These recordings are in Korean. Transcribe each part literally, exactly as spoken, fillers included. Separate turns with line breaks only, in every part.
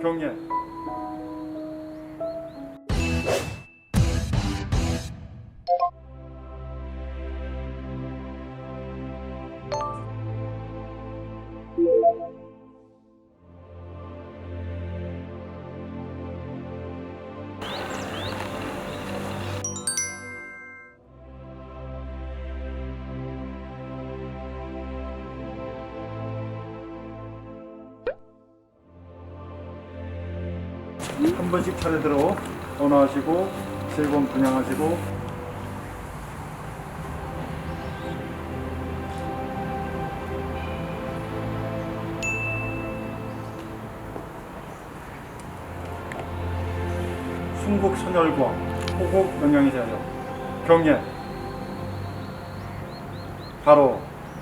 경례. 한 번씩 차례대로 언어하시고 세 번 분양하시고 순국 선열과 호국 영양이 되하여 경례. 바로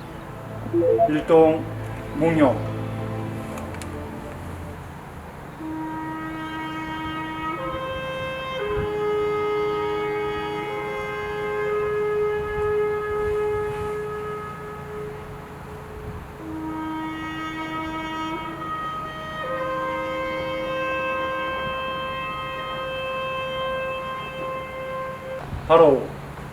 일동 몽룡. 바로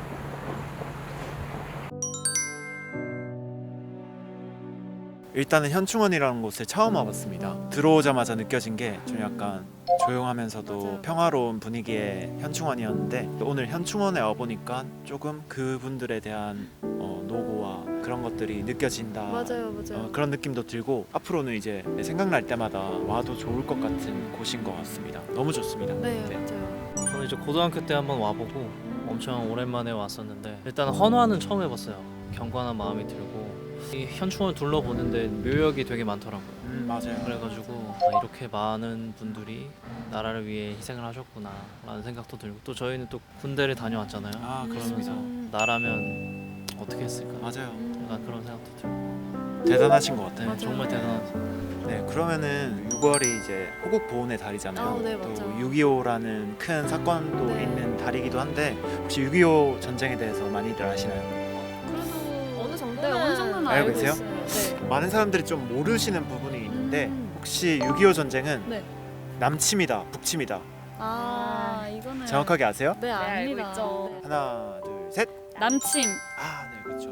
일단은 현충원이라는 곳에 처음 와봤습니다. 들어오자마자 느껴진 게 좀 약간 조용하면서도
맞아요.
평화로운 분위기의 현충원이었는데 오늘 현충원에 와보니까 조금 그분들에 대한 어, 노고와 그런 것들이 느껴진다.
맞아요, 맞아요.
어, 그런 느낌도 들고 앞으로는 이제 생각날 때마다 와도 좋을 것 같은 곳인 것 같습니다. 너무 좋습니다.
네,
네.
맞아요.
저는 이제 고등학교 때 한번 와보고 엄청 오랜만에 왔었는데 일단 헌화는 처음 해봤어요. 경건한 마음이 들고 이 현충원 둘러보는데 묘역이 되게 많더라고요.
음, 맞아요.
그래가지고 아, 이렇게 많은 분들이 나라를 위해 희생을 하셨구나 라는 생각도 들고 또 저희는 또 군대를 다녀왔잖아요.
아, 그렇습니다.
음.
나라면 어떻게 했을까
맞아요.
약간 그런 생각도 들고
대단하신 것 같아요.
맞아요.
정말 대단하죠.
네, 그러면은 유월이 이제 호국 보훈의 달이잖아요.
아, 네,
또
맞아요.
육이오라는 큰 사건도
네.
있는 달이기도 한데 혹시 육이오 전쟁에 대해서 많이들 아시나요?
그래도
어느 정도는
네, 어느 정도는
알고
알고
계세요?
있어요. 네.
많은 사람들이 좀 모르시는 부분이 있는데
음.
혹시 육이오 전쟁은
네.
남침이다, 북침이다.
아, 이거는
정확하게 아세요?
네,
알고
압니다.
있죠.
네.
하나, 둘, 셋.
남침.
아, 네, 그렇죠.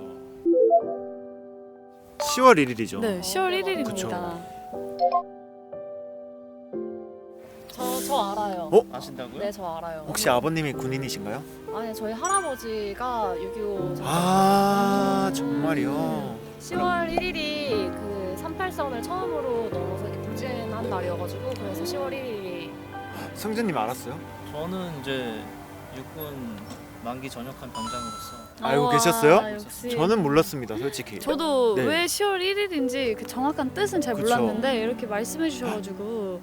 시월 일일이죠.
네, 시월
네,
일일입니다.
그쵸.
저, 저 알아요.
어?
아신다고요?
네, 저 알아요.
혹시 아버님이 군인이신가요?
아니, 저희 할아버지가 육이오
아, 정말요?
시월 일일이 그 삼팔선을 처음으로 넘어서 이렇게 북진한 날이어가지고 그래서 시월 일일이
성준님 알았어요?
저는 이제 육군 만기 전역한 병장으로서
알고
우와,
계셨어요?
역시.
저는 몰랐습니다, 솔직히.
저도
네.
왜 시월 일일인지 그 정확한 뜻은 잘
그쵸.
몰랐는데 이렇게 말씀해 주셔가지고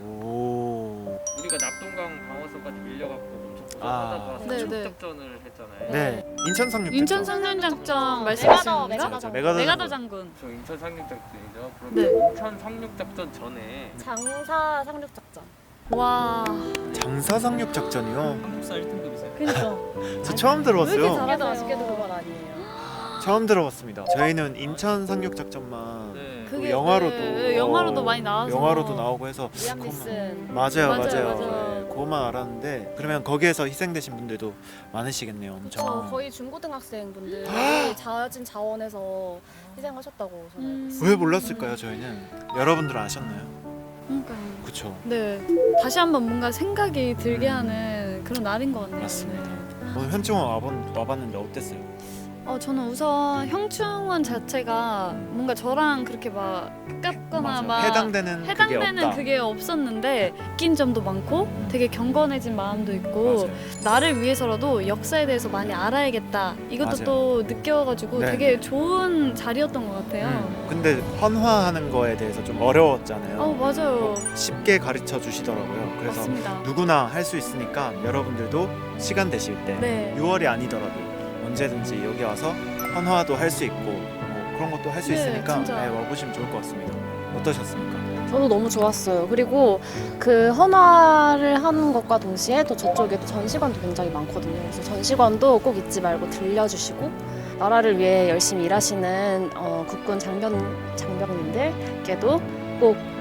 오.
우리가 납동강 방어선까지 밀려갖고 엄청
아.
고생하다가
네,
상륙
네.
작전을 했잖아요.
네, 인천 상륙.
인천
작전.
상륙 작전
메가더,
말씀하시는
메가더
건가?
장군.
메가더
메가더
장군.
장군.
저 인천 상륙 작전이죠. 그럼
네.
인천 상륙 작전 전에
장사 상륙 작전.
와,
장사 상륙 작전이요?
한국사 일 등급이세요?
그니까.
저 처음
왜 이렇게
들어봤어요.
잘하-
아쉽게도
알았어요.
아쉽게도 그건 아니에요.
처음 들어봤습니다. 저희는 인천 상륙 작전만
네.
그 영화로도
네, 영화로도 많이 나와서
영화로도 나오고 해서
리암
그것만-
니슨.
맞아요,
맞아요,
맞아요.
맞아요.
네, 그것만 알았는데 그러면 거기에서 희생되신 분들도 많으시겠네요, 엄청.
저 거의 중고등학생 분들이 자진 자원해서 희생하셨다고 저는 알고
음.
있어요.
왜 몰랐을까요, 저희는? 여러분들은 아셨나요?
그러니까요.
그쵸.
네, 다시 한번 뭔가 생각이 들게 하는 그런 날인 것 같네요.
맞습니다.
네.
오늘 현충원 와본, 와봤는데 어땠어요?
어, 저는 우선 형충원 자체가 뭔가 저랑 그렇게 막 가깝거나
맞아.
막
해당되는,
해당되는
그게 없다.
그게 없었는데 웃긴 점도 많고 되게 경건해진 마음도 있고
맞아요.
나를 위해서라도 역사에 대해서 많이 알아야겠다 이것도
맞아요.
또 느껴가지고
네.
되게 좋은 자리였던 것 같아요.
음, 근데 헌화하는 거에 대해서 좀 어려웠잖아요.
어, 맞아요.
쉽게 가르쳐 주시더라고요. 그래서
맞습니다.
누구나 할 수 있으니까 여러분들도 시간 되실 때
네.
유월이 아니더라도 언제든지 여기 와서 헌화도 할 수 있고 뭐 그런 것도 할 수
네,
있으니까
진짜.
네, 와보시면 좋을 것 같습니다. 어떠셨습니까?
저도 너무 좋았어요. 그리고 그 헌화를 하는 것과 동시에 또 저쪽에 또 전시관도 굉장히 많거든요. 그래서 전시관도 꼭 잊지 말고 들려주시고 나라를 위해 열심히 일하시는 어, 국군 장병 장병님들께도 꼭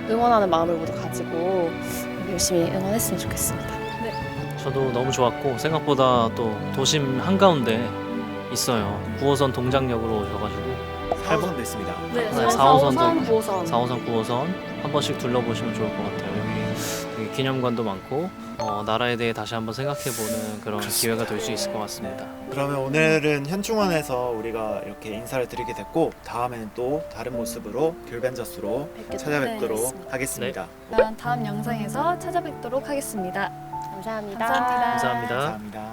응원하는 마음을 모두 가지고 열심히 응원했으면 좋겠습니다.
저도 너무 좋았고 생각보다 또 도심 한가운데 있어요. 구 호선 동작역으로 오셔가지고
사 호선도 있습니다.
네,
네, 사 호선도
사 호선, 구 호선.
사 호선, 구 호선 한 번씩 둘러보시면 좋을 것 같아요. 여기 되게 기념관도 많고 어, 나라에 대해 다시 한번 생각해보는 그런 기회가 될 수 있을 것 같습니다.
그러면 오늘은 현충원에서 우리가 이렇게 인사를 드리게 됐고 다음에는 또 다른 모습으로 귤벤저스로
뵙게
찾아뵙도록
네,
하겠습니다.
그럼 다음 영상에서 찾아뵙도록 하겠습니다.
감사합니다.
감사합니다.
감사합니다.
감사합니다.